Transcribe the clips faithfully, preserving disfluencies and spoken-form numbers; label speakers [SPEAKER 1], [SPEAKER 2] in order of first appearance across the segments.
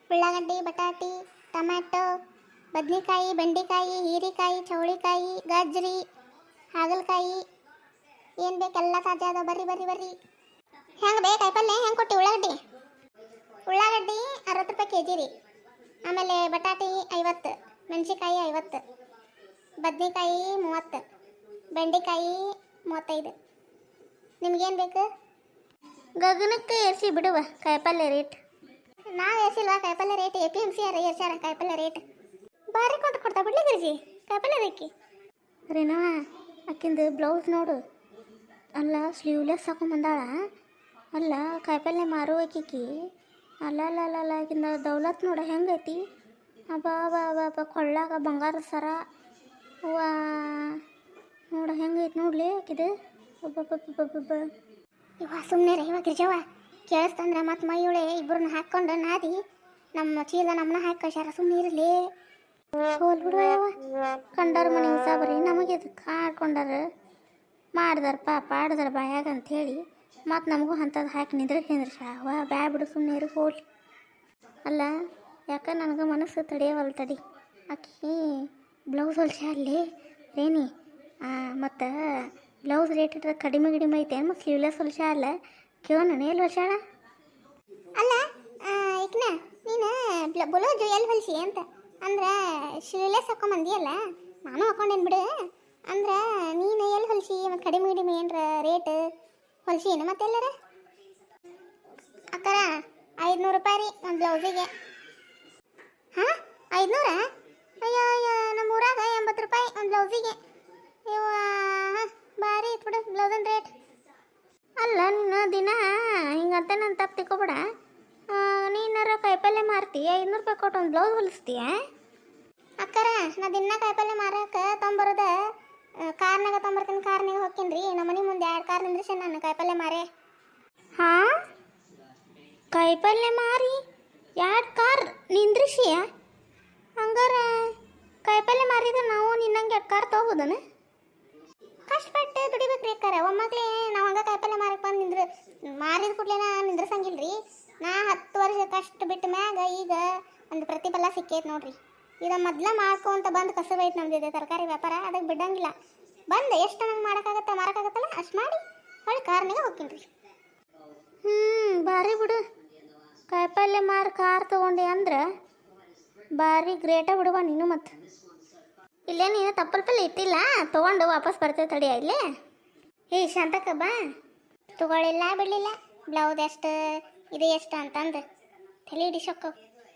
[SPEAKER 1] ಉಳ್ಳಾಗಡ್ಡಿ, ಬಟಾಟಿ, ಟೊಮ್ಯಾಟೊ, ಬದ್ನೆಕಾಯಿ, ಬೆಂಡೆಕಾಯಿ, ಹೀರೆಕಾಯಿ, ಚೌಳಿಕಾಯಿ, ಗಜ್ರಿ, ಹಾಗಲಕಾಯಿ ಏನು ಬೇಕೆಲ್ಲ ತಾಜಾ ಅದ. ಬರ್ರಿ ಬರ್ರಿ ಬರ್ರಿ. ಹೆಂಗೆ ಬೇ ಕಾಯಿಪಲ್ಲೆ ಹೆಂಗೆ ಕೊಟ್ಟು ಉಳ್ಳಾಗಡ್ಡಿ? ಉಳ್ಳಾಗಡ್ಡಿ ಅರವತ್ತು ರೂಪಾಯಿ ಕೆ ಜಿ ರೀ. ಆಮೇಲೆ ಬಟಾಟಿ ಐವತ್ತು, ಮೆಣಸಿಕಾಯಿ ಐವತ್ತು, ಬದ್ನೆಕಾಯಿ ಮೂವತ್ತು, ಬೆಂಡೆಕಾಯಿ ಮೂವತ್ತೈದು. ನಿಮ್ಗೇನು ಬೇಕು? ಗಗನಕ್ಕೆ ಏರಿಸಿ ಬಿಡುವ ಕಾಯಿಪಲ್ಲೆ ರೇಟ್. ನಾವು ಏರಿಸಿಲ್ವಾ ಕಾಯಿಪಲ್ಲೆ rate? A P M C ಯಾರ ಏರ್ಸ್ಯಾರ ಕಾಯಿಪಲ್ಲೆ ರೇಟ್. ಭಾರಿ ಕೊಟ್ಟು ಕೊಡ್ತಾ ಬಿಡ್ಲಿ ಗಿರ್ಜಿ ಕಾಯಿಪಲ್ಲೆ ಬೇಕಿ ರೀನಾ. ಆಕಿಂದು ಬ್ಲೌಸ್ ನೋಡು, ಅಲ್ಲ ಸ್ಲೀವ್ಲೆಸ್ ಹಾಕೊಂಬಂದಾಳ. ಅಲ್ಲ ಕಾಯಿಪಲ್ಲೆ ಮಾರು ಆಕಿಕಿ. ಅಲ್ಲ ಅಲ್ಲ ಅಲ್ಲ ಅಲ್ಲ ಆಕಿಂದ ದೌಲತ್ ನೋಡ ಹೆಂಗೈತಿ. ಅಬ್ಬಾ ಬಾ ಬಾ ಬಾ ಕೊಳ್ಳಾಗ ಬಂಗಾರ ಸರ. ವಾ ನೋಡ ಹೆಂಗೈತಿ ನೋಡ್ಲಿ ಆಕಿದು. ಒಬ್ಬೊಬ್ಬೊಬ್ಬೊಬ್ಬೊಬ್ಬ ಇವ ಸುಮ್ಮನೆ ರೀ ಇವಾಗ ಗಿರ್ಜವ್ವ. ಕೇಳಿಸ್ತಂದ್ರೆ ಮತ್ತು ಮೈಯುಳೆ ಇಬ್ಬರನ್ನ ಹಾಕ್ಕೊಂಡು ನಾದಿ ನಮ್ಮ ಚೀಲ ನಮ್ಮನ್ನ ಹಾಕಿ ಕಳ್ಸ್ಯಾರ. ಸುಮ್ಮನೆ ಇರಲಿ ಹೋಲ್ ಬಿಡುವ ಯಾವ ಕಂಡಾರ ಮನೆ ಸಾಬರಿ ನಮಗೆ ಅದಕ್ಕೆ ಆಡ್ಕೊಂಡಾರ ಮಾಡ್ದಾರ ಪಾಪ ಆಡ್ದಾರ ಬಾಯಾಗ ಅಂಥೇಳಿ ಮತ್ತು ನಮಗೂ ಅಂಥದ್ದು ಹಾಕಿ ನಿಂದ್ರೆ ನಿಂದ್ರೆ ಶಾವ ಬ್ಯಾ ಬಿಡು ಸುಮ್ಮನೆ ಇರು ಹೋಲ್. ಅಲ್ಲ ಯಾಕೆ ನನಗೆ ಮನಸ್ಸು ತಡೆಯವಲ್ಲ ತಡಿ. ಆಕಿ ಬ್ಲೌಸ್ ಹೊಲ್ಸ ಅಲ್ಲಿ ರೇನಿ. ಮತ್ತು ಬ್ಲೌಸ್ ರೇಟ್ ಇಟ್ಟರೆ ಕಡಿಮೆ ಕಡಿಮೆ ಐತೆ ಮತ್ತು ಸ್ಲೀವ್ಲೆಸ್ ಹೊಲ್ಸ ಅಲ್ಲ ಕೇಳೋ ನಾನು ಎಲ್ಲಿ ಹೊಲ್ಸಾಳ? ಅಲ್ಲ ಈಕನ ನೀನು ಬ್ಲೌಸ್ ಎಲ್ಲಿ ಹೊಲ್ಸಿ ಅಂತ ಅಂದ್ರೆ ಸ್ಲೀವ್ಲೆಸ್ ಹಾಕೊಂಬಂದಿಯಲ್ಲ, ನಾನು ಹಾಕೊಂಡೇನು ಬಿಡು. ಅಂದ್ರೆ ನೀನು ಎಲ್ಲಿ ಹೊಲ್ಸಿ ಮತ್ತು ಕಡಿಮೆ ಕಡಿಮೆ ಏನರ ರೇಟ್ ಹೊಲ್ಸಿ ಏನು ಮತ್ತೆ ಎಲ್ಲರ? ಅಕ್ಕರ ಐದುನೂರು ರೂಪಾಯಿ ರೀ ಒಂದು ಬ್ಲೌಸಿಗೆ. ಹಾಂ ಐದುನೂರ? ಅಯ್ಯೋ ಅಯ್ಯೋ ನಮ್ಮ ಊರಾಗ ಎಂಬತ್ತು ರೂಪಾಯಿ ಒಂದು ಬ್ಲೌಸಿಗೆ. ಇವ ಭಾರಿ ಇತ್ತು ಬಿಡು ಬ್ಲೌಸನ್ ರೇಟ್. ಅಲ್ಲ ನೀನು ದಿನ ಹಿಂಗಂತ ನಾನು ತಪ್ಪು ತಿಳ್ಕೊಬೇಡ. ನೀನಾರ ಕಾಯಿಪಲ್ಲೆ ಮಾರ್ತಿ ಐದುನೂರು ರೂಪಾಯಿ ಕೊಟ್ಟು ಒಂದು ಬ್ಲೌಸ್ ಹೊಲಿಸ್ತೀಯ? ಅಕ್ಕರ ನಾ ದಿನ ಕಾಯಿಪಲ್ಲೆ ಮಾರಕ್ಕೆ ತೊಂಬರೋದ ಕಾರ್ನಾಗ ತೊಂಬರ್ತೀನಿ. ಕಾರ್ನಾಗ ಹೋಗ್ತೀನಿ ರೀ ನಮ್ಮ ಮನೆ ಮುಂದೆ ಎರಡು ಕಾರ್ ನಿಂದ್ರಿಸಿ ನಾನು ಕಾಯಿಪಲ್ಲೆ ಮಾರೇ. ಹಾಂ ಕಾಯಿಪಲ್ಲೆ ಮಾರಿ ಎರಡು ಕಾರ್ ನಿಂದ್ರಿಸಿಯ? ಹಂಗಾರ ಕಾಯಿಪಲ್ಲೆ ಮಾರಿದ್ರೆ ನಾವು ನಿನ್ನಂಗೆ ಎರಡು ಕಾರ್ ತೊಗೋಬೋದನ? ಕಷ್ಟಪಟ್ಟು ದುಡಿಬೇಕು ರೀ ಅಕ್ಕಾರ. ಒಮ್ಮಕ್ಳೇ ನಾವು ಹಂಗೆ ಕಾಯಿಪಲ್ಲೆ ಮಾರಕ್ಕೆ ಬಂದು ನಿಂದ್ರೆ ಮಾರಿದ ಕೂಡಲೇ ನಾ ನಿಂದ್ರಸಂಗಿಲ್ಲ ರೀ. ನಾ ಹತ್ತು ವರ್ಷ ಕಷ್ಟ ಬಿಟ್ಟ ಮ್ಯಾಗ ಈಗ ಒಂದು ಪ್ರತಿಫಲ ಸಿಕ್ಕೈತೆ ನೋಡ್ರಿ. ಈಗ ಮೊದ್ಲ ಮಾಡ್ಕೊಂತ ಬಂದು ಕಸಬೈತೆ ನಮ್ದಿದೆ ತರಕಾರಿ ವ್ಯಾಪಾರ. ಅದಕ್ಕೆ ಬಿಡಂಗಿಲ್ಲ. ಬಂದು ಎಷ್ಟು ನಂಗೆ ಮಾಡೋಕ್ಕಾಗತ್ತೆ ಮಾರೋಕ್ಕಾಗತ್ತಲ್ಲ ಅಷ್ಟು ಮಾಡಿ ಹೊಳ್ಳಿ ಕಾರ್ನಾಗ ಹೋಗ್ತೀನಿ ರೀ. ಹ್ಞೂ ಭಾರಿ ಬಿಡು. ಕಾಯಿಪಲ್ಲೆ ಮಾರಿ ಕಾರ್ ತೊಗೊಂಡೆ ಅಂದ್ರೆ ಭಾರಿ ಗ್ರೇಟ ಬಿಡುವ ನೀನು. ಮತ್ತು ಇಲ್ಲೇ ನೀನು ತಪ್ಪಲ್ಪಲ್ಲಿ ಇಟ್ಟಿಲ್ಲ ತೊಗೊಂಡು ವಾಪಸ್ ಬರ್ತೇವೆ ತಡಿಯ ಇಲ್ಲೇ. ಏ ಶಾಂತಕ್ಕ ಬಾ. ತೊಗೊಳ್ಳಿಲ್ಲ ಬಿಡಲಿಲ್ಲ ಬ್ಲೌಸ್ ಎಷ್ಟು ಇದು ಎಷ್ಟು ಅಂತಂದು ತಲೆ ಹಿಡಿಸೋಕ್ಕವು.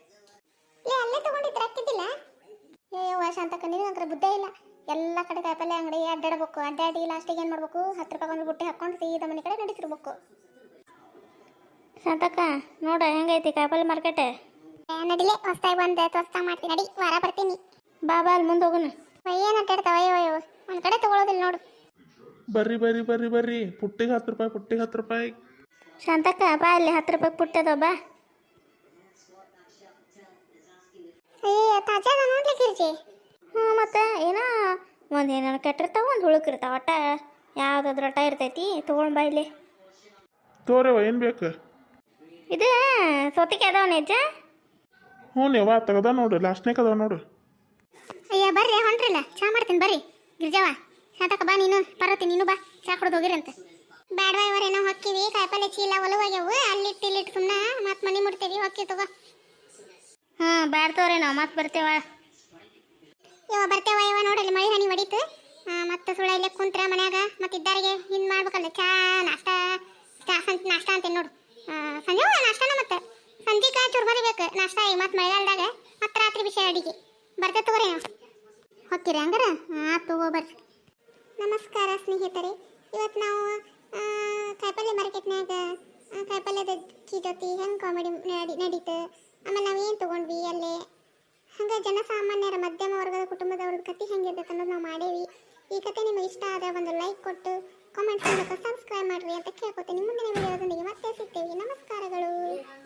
[SPEAKER 1] ಏ ಅಲ್ಲೇ ತೊಗೊಂಡಿದ್ರೆ ಹಾಕಿದ್ದಿಲ್ಲ? ಏ ಶಾಂತಕ್ಕ ನಿನಗಂತ್ರ ಬುದ್ಧ ಇಲ್ಲ. ಎಲ್ಲ ಕಡೆ ಕಾಯಿಪಲ್ಲೆ ಅಂಗಡಿ ಅಡ್ಡಾಡಬೇಕು. ಅಡ್ಡಾಡಿ ಲಾಸ್ಟಿಗೆ ಏನು ಮಾಡ್ಬೇಕು, ಹತ್ತು ರೂಪಾಯಿ ಒಂದು ಬುಟ್ಟಿ ಹಾಕ್ಕೊಂಡು ಸೀದಾ ಮನೆ ಕಡೆ ನಡೀತಿರ್ಬೇಕು. ಶಾಂತಕ್ಕ ನೋಡ ಹೆಂಗೈತಿ ಕಾಯಿಪಲ್ಲೆ ಮಾರ್ಕೆಟ್? ನಡಿಲೆ ಹೊಸ್ತಾಗಿ ಬಂದು ಹೊಸ್ತಾ ಮಾಡ್ತೀನಿ. ನಡಿ ವಾರ ಬರ್ತೀನಿ. ಬಾ ಬಾ ಅಲ್ಲಿ ಮುಂದೆ ಹೋಗೋಣ. ಏನು ಅಡ್ಡಾಡ್ತಾವ ಅಯ್ಯೋ ಅಯ್ಯೋ ಒಂದು ಕಡೆ ತೊಗೊಳೋದಿಲ್ಲ ನೋಡು.
[SPEAKER 2] ಬರ್ರಿ ಬರ್ರಿ ಬರ್ರಿ ಬರ್ರಿ ಪುಟ್ಟಿಗೆ ಹತ್ತು ರೂಪಾಯಿ ಪುಟ್ಟಿಗೆ ಹತ್ತು ರೂಪಾಯಿ.
[SPEAKER 1] ಶಾಂತಕ್ಕ ಬಾ ಅಲ್ಲಿ ಹತ್ತು ರೂಪಾಯಿ ಪುಟ್ಟದ ಬಾ. ಏ ತಾಜಾದ ನೋಡ್ಲಿಕ್ಕಿರ್ಜಿ. ಹ್ಞೂ ಮತ್ತು ಏನೋ ಒಂದು ಏನಾರು ಕೆಟ್ಟಿರ್ತಾವ ಒಂದು ಹುಳುಕಿರ್ತಾವ. ಒಟ್ಟ ಯಾವುದಾದ್ರು ಒಟ್ಟ ಇರ್ತೈತಿ ತೊಗೊಂಡು ಬಾ ಇಲ್ಲಿ.
[SPEAKER 2] ತೋರವ ಏನು ಬೇಕು?
[SPEAKER 1] ಇದು ಸೌತಿಗೆ ಅದಾವ ನಿಜ?
[SPEAKER 2] ಹ್ಞೂ ಯಾವ ತೆಗದ ನೋಡು ಲಾಸ್ಟ್ನೇಕ್ ಅದಾವ ನೋಡು.
[SPEAKER 1] ಅಯ್ಯ ಬರ್ರಿ ಹೊಂಟ್ರಿಲ್ಲ ಚಾ ಮಾಡ್ತೀನಿ ಬರ್ರಿ. ಗಿರ್ಜವ್ವ ಶಾಂತಕ್ಕ ಬಾ ನೀನು ಪರ್ವತಿ ನೀನು ಬಾ ಚಾ ಕುಡ್ದು ಹೋಗಿರಂತೆ. ಬ್ಯಾಡವಾ ಇವರೇನೋ ಹೊಕ್ಕಿವಿ ಕಾಯಿಪಲ್ಲೆ ಚೀಲ ಒಲವಾಗ್ಯವು ಅಲ್ಲಿಟ್ಟು ಇಲ್ಲಿಟ್ಟು ಸುಮ್ಮನೆ ಮತ್ತೆ ಮನೆ ಮುಡ್ತೇವಿ ಹೊಕ್ಕಿ ತಗೋ. ಹಾಂ ಬ್ಯಾಡ್ತವ್ರೆ ನಾವು ಮತ್ತೆ ಬರ್ತೇವ. ಇವ ಬರ್ತೇವ ಇವ ನೋಡಲ್ಲಿ ಮಳೆ ಹನಿ ಹೊಡೀತು. ಮತ್ತೆ ಸುಳ್ಳ ಇಲ್ಲೇ ಕುಂತ್ರ ಮನ್ಯಾಗ ಮತ್ತೆ ಇದ್ದಾರಿಗೆ ಹಿಂಗೆ ಮಾಡ್ಬೇಕಲ್ಲ ಚಾ ನಾಷ್ಟ ಚಾ ಸಂಜೆ ನಾಷ್ಟ ಅಂತೇನು ನೋಡು. ಸಂಜೆ ನಾಷ್ಟನ ಮತ್ತೆ ಸಂಜೆಗೆ ಚೂರು ಬರಿಬೇಕು ನಾಷ್ಟ. ಈಗ ಮತ್ತೆ ಮಳೆಗಾಲದಾಗ ಮತ್ತೆ ರಾತ್ರಿ ಬಿಸಿ ಅಡಿಗೆ ಬರ್ತೇವೆ ತಗೋರಿ. ನಾವು ಹೊಕ್ಕಿರಿ ಹಂಗಾರ? ಹಾಂ ತಗೋ ಬರ್ರಿ. ನಮಸ್ಕಾರ ಸ್ನೇಹಿತರೆ. ಇವತ್ತು ನಾವು ಕಾಯಿಪಲ್ಲೆ ಮಾರ್ಕೆಟ್ನಾಗ ಕಾಯಿಪಲ್ಯದ ಜೊತೆ ಹೆಂಗೆ ಕಾಮಿಡಿ ನಡಿ ನಡೀತು. ಆಮೇಲೆ ನಾವು ಏನು ತೊಗೊಂಡ್ವಿ ಅಲ್ಲೇ ಹಂಗೆ ಜನಸಾಮಾನ್ಯರ ಮಧ್ಯಮ ವರ್ಗದ ಕುಟುಂಬದವ್ರದ್ದು ಕತೆ ಹೆಂಗಿರ್ತೈತೆ ಅನ್ನೋದು ನಾವು ಮಾಡೇವಿ. ಈ ಕತೆ ನಿಮಗೆ ಇಷ್ಟ ಆದರೆ ಒಂದು ಲೈಕ್ ಕೊಟ್ಟು ಕಾಮೆಂಟ್ಸ್ ಮೂಲಕ ಸಬ್ಸ್ಕ್ರೈಬ್ ಮಾಡಿರಿ ಅಂತ ಕೇಳ್ಕೊತೀನಿ. ಮುಂದಿನ ವಿಡಿಯೋದೊಂದಿಗೆ ಮತ್ತೆ ಸಿಗ್ತೇವೆ. ನಮಸ್ಕಾರಗಳು.